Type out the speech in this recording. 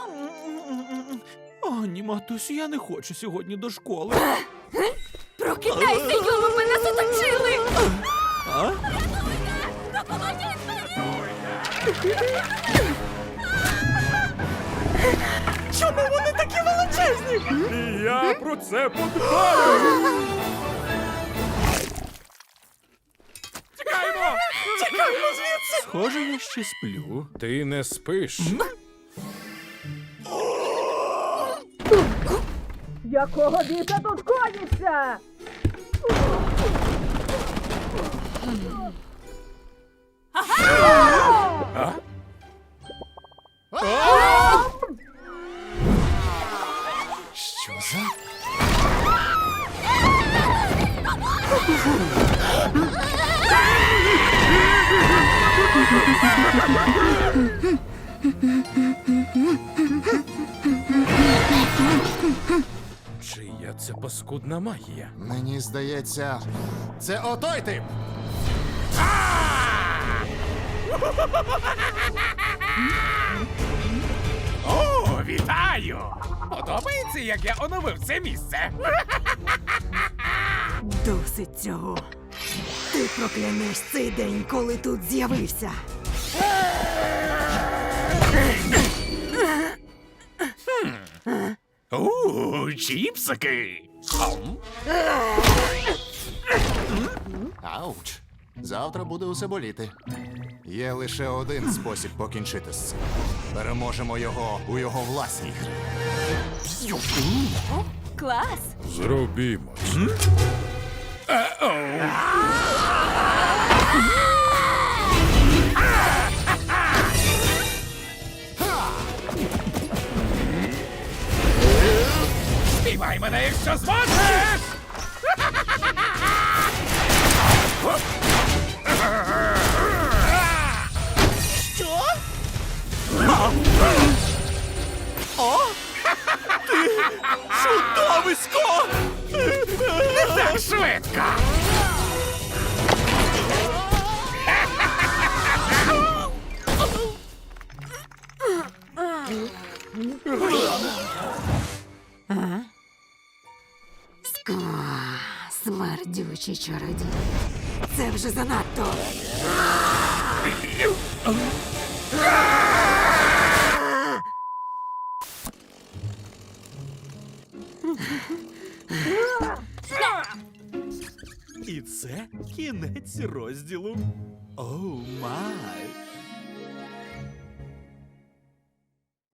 О, ні, матусю, я не хочу сьогодні до школи. Прокидайся, Йоло, ми нас оточили! А? Чому вони такі величезні? І я про це подбаю! Тікаємо! Чекаємо звідси! Схоже, я ще сплю. Ти не спиш. Якого біса тут коїться? Що за? Чия це паскудна магія? Мені здається, це отой тип. О, вітаю! Подобається, як я оновив це місце? Досить цього. Ти проклянеш цей день, коли тут з'явився. Чіпсики! Ауч. Завтра буде усе боліти. Є лише один спосіб покінчити з цим. Переможемо його у його власній грі. Клас! Зробімо це. Спіймай мене, якщо зможеш! Що? О! Ти чудовисько! Так швидко! Смердючий чародій. Це вже занадто. І це кінець розділу. Оу май!